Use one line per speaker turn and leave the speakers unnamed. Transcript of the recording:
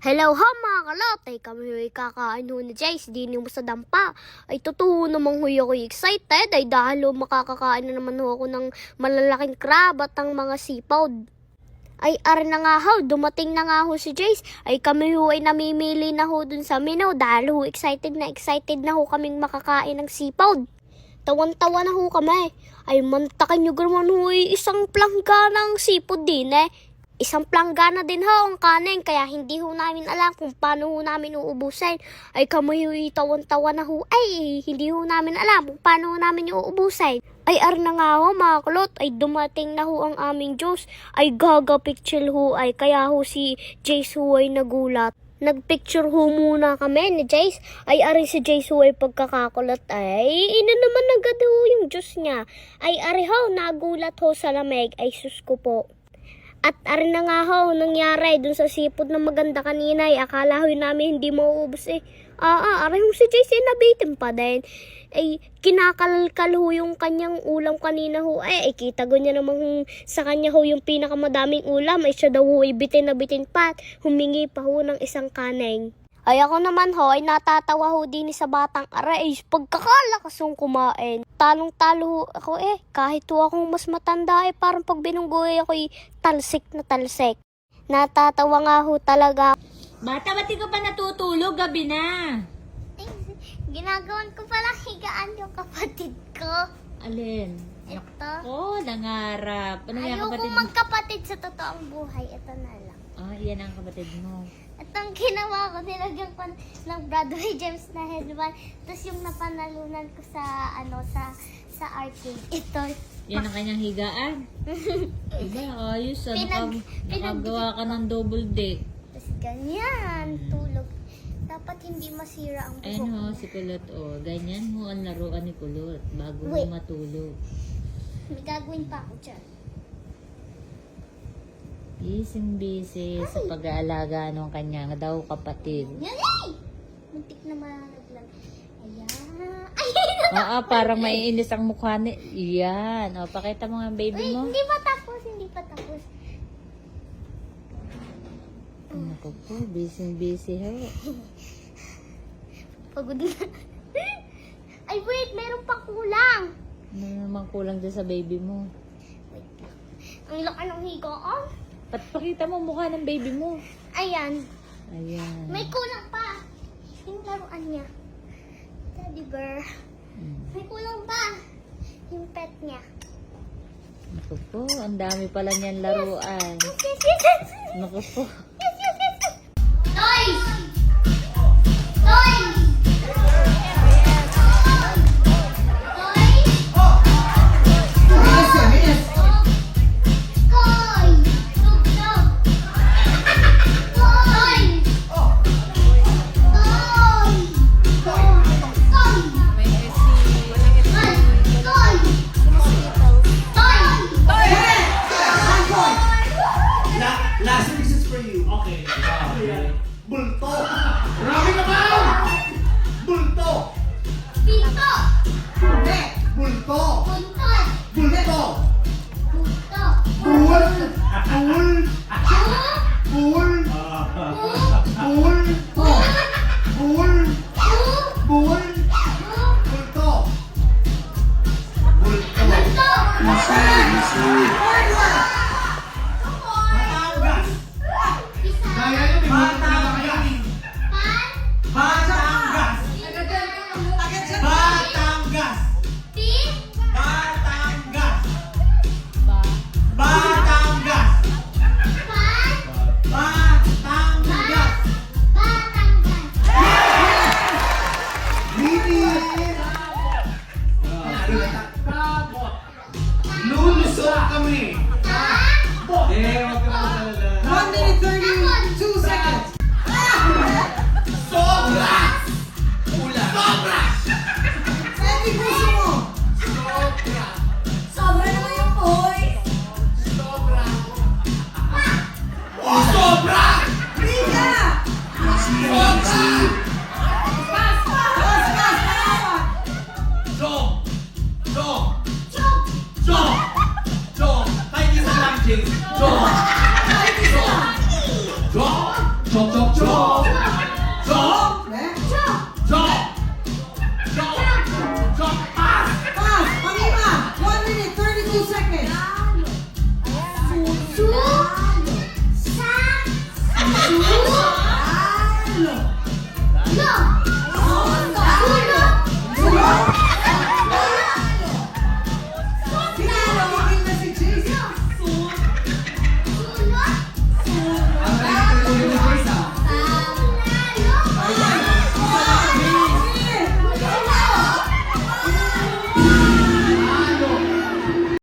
Hello ha mga kalotay, kami huy kakain ho ni Jace, di mo sa dampa. Ay totoo namang huy ako excited, ay dahil makakakain na naman ho ako ng malalaking crab at ang mga sipod. Ay ar na nga ho, dumating na nga ho si Jace, ay kami ho ay namimili na ho dun sa Minaw dahil ho excited na ho kaming makakain ng sipod. Tawan-tawa na ho kami, ay mantakin nyo naman ho isang plangga ng sipod din eh. Isang planggana din ho ang kanin, kaya hindi ho namin alam kung paano ho namin uubusin. Ay kami ho tawan-tawa na ho, ay hindi ho namin alam kung paano ho namin uubusin. Ay ar na nga ho mga kulot, ay dumating na ho ang aming Diyos. Ay gaga-picture ho ay, kaya ho si Jace ho ay nagulat. Nagpicture ho muna kami ni Jace. Ay ari si Jace ho ay pagkakakulat ay ina naman agad ho yung Diyos niya. Ay ari ho, nagulat ho sa lamig, ay sus ko po. At ari na nga ho, nangyari dun sa sipod na maganda kanina ay akala ho namin hindi mauubos eh. Ari ho si Jace nabitin pa din. Ay kinakalkal ho yung kanyang ulam kanina ho. Ay kita go niya namang sa kanya ho yung pinakamadaming ulam. Ay siya daw ho ay bitin na bitin pa. Humingi pa ho ng isang kaneng. Ay ako naman ho, ay natatawa ho din sa batang aray. Pagkakalakas yung kumain. Talong-talo ako eh. Kahit ho akong mas matanda eh, parang pag binunggoy ako talsik na talsik. Natatawa nga ho talaga.
Bata, ba't di ka pa natutulog? Gabi na.
Ginagawan ko pala higaan yung kapatid ko.
Alin?
Ito.
Oh, nangarap. Ano yung
Ayoko
kapatid mo?
magkapatid sa totoong buhay. Ito na lang.
Yan ang kapatid mo.
At ang ginawa ko, nilagyan ko ng Broadway Gems na headband. Tapos yung napanalunan ko sa sa arcade. Ito.
Yan ang kanyang higaan. Diba, ayos. Nakagawa ka ng double deck.
Tapos ganyan, tulog. Dapat hindi masira ang buhok.
Ayun ho, si Kulot. Ganyan ho ang laruan ni Kulot bago ho matulog.
May gagawin pa ako dyan.
Busy sa pag-aalaga ng kanyang daw kapatid.
Yan eh! Muntik na malaglag. Ayan.
Oo, parang maiinis ang mukha ni... Yan. Pakita mo nga ang baby mo.
Hindi pa tapos.
Naku po, busy ho.
Pagod na. Ay wait, meron pa kulang.
Ano naman kulang dyan sa baby mo?
Wait lang. Ang laki ng higaan.
Pakita mo mukha ng baby mo.
Ayan.
Ayan.
May kulang pa. Yung laruan niya. Teddy bear. May kulang pa. Yung pet niya.
Naku po, ang dami pala niyan laruan.
Yes.
Naku po.
Toys! Toys!
Last this is for you. Okay. Bulto. Grabe naman! Bulto.
Pinto!
Hindi. Bulto.
Buntot!
Bulto.
Bunto!
Bul. Bul.